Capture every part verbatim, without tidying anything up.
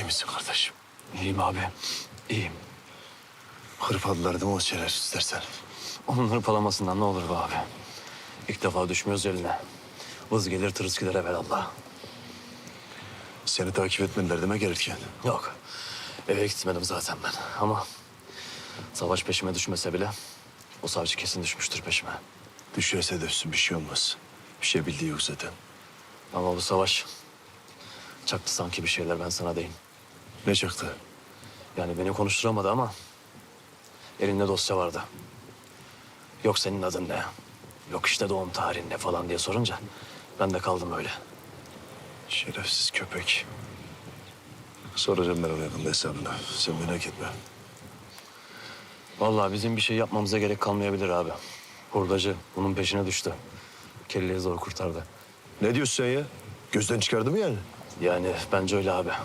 İyi misin kardeşim? İyiyim abi. İyiyim. Hırpaladılar değil mi o şerefsiz istersen? Onun hırpalamasından ne olur be abi. İlk defa düşmüyoruz eline. Vız gelir tırıs gider evelallah. Seni takip etmediler deme gelirken. Yok. Eve gitmedim zaten ben. Ama Savaş peşime düşmese bile o savcı kesin düşmüştür peşime. Düşerse düşsün bir şey olmaz. Bir şey bildiği yok zaten. Ama bu Savaş çaktı sanki bir şeyler, ben sana diyeyim. Ne çaktı? Yani beni konuşturamadı ama elinde dosya vardı. Yok senin adın ne? Yok işte doğum tarihin ne falan diye sorunca ben de kaldım öyle. Şerefsiz köpek. Soracağım ben ona yakında hesabını. Sen merak etme. Vallahi bizim bir şey yapmamıza gerek kalmayabilir abi. Hurdacı bunun peşine düştü. Kelleyi zor kurtardı. Ne diyorsun sen ya? Gözden çıkardı mı yani? Yani bence öyle abi.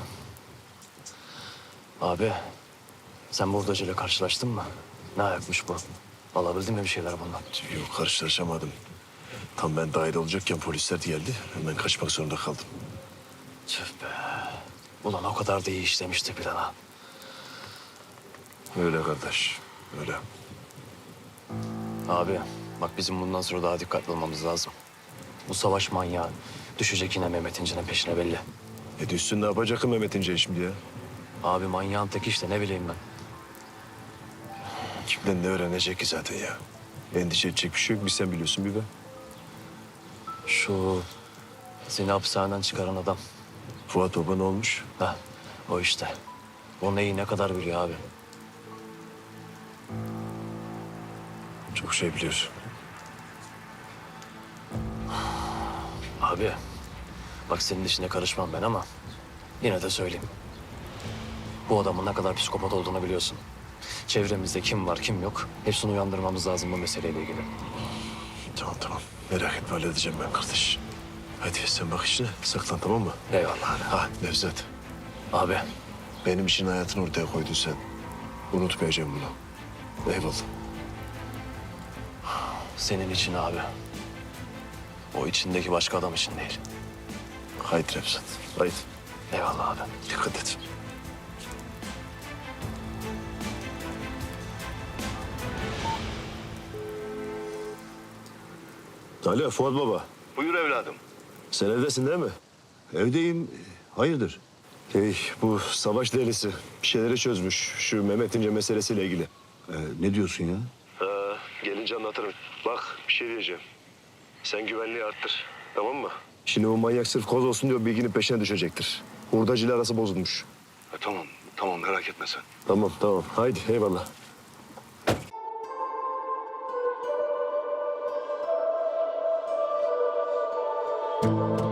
Abi sen bu hurdacıyla karşılaştın mı? Ne ayakmış bu? Alabildin mi bir şeyler bundan? Yok karşılaşamadım. Tam ben dahil olacakken polisler geldi. Hemen kaçmak zorunda kaldım. Tüh be. Ulan o kadar da iyi işlemişti plana. Öyle kardeş. Öyle. Abi bak bizim bundan sonra daha dikkatli olmamız lazım. Bu Savaş manyağı düşecek yine Mehmet İnce'nin peşine belli. E düşsün ne yapacak ki Mehmet İnce şimdi ya? Abi manyağın teki işte, ne bileyim ben. Kimden ne öğrenecek ki zaten ya? Endişe edecek bir şey yok. Bir sen biliyorsun bir ben. Şu seni hapishaneden çıkaran adam. Fuat Baba ne olmuş? Heh, o işte. O neyi ne kadar biliyor abi. Çok şey biliyorsun. Abi bak senin işine karışmam ben ama yine de söyleyeyim. Bu adamın ne kadar psikopat olduğunu biliyorsun. Çevremizde kim var kim yok hepsini uyandırmamız lazım bu meseleyle ilgili. Tamam tamam. Merak etme halledeceğim ben kardeş. Hadi sen bak işine. Saklan tamam mı? Eyvallah abi. Ha Nevzat. Abi Benim için hayatını ortaya koydun sen. Unutmayacağım bunu. Eyvallah. senin için abi. O içindeki başka adam için değil. Haydi Nevzat. Haydi. Eyvallah abi. Dikkat et. Alo Fuat Baba. Buyur evladım. Sen evdesin değil mi? Evdeyim. Hayırdır? Hey, bu savaş delisi bir şeyleri çözmüş. Şu Mehmet İnce meselesiyle ilgili. Ee, ne diyorsun ya? Ee, gelince anlatırım. Bak bir şey diyeceğim. Sen güvenliği arttır. Tamam mı? Şimdi o manyak sırf koz olsun diyor bilginin peşine düşecektir. Hurdacıyla arası bozulmuş. E, tamam, tamam merak etme sen. Tamam tamam. Haydi eyvallah. Thank you.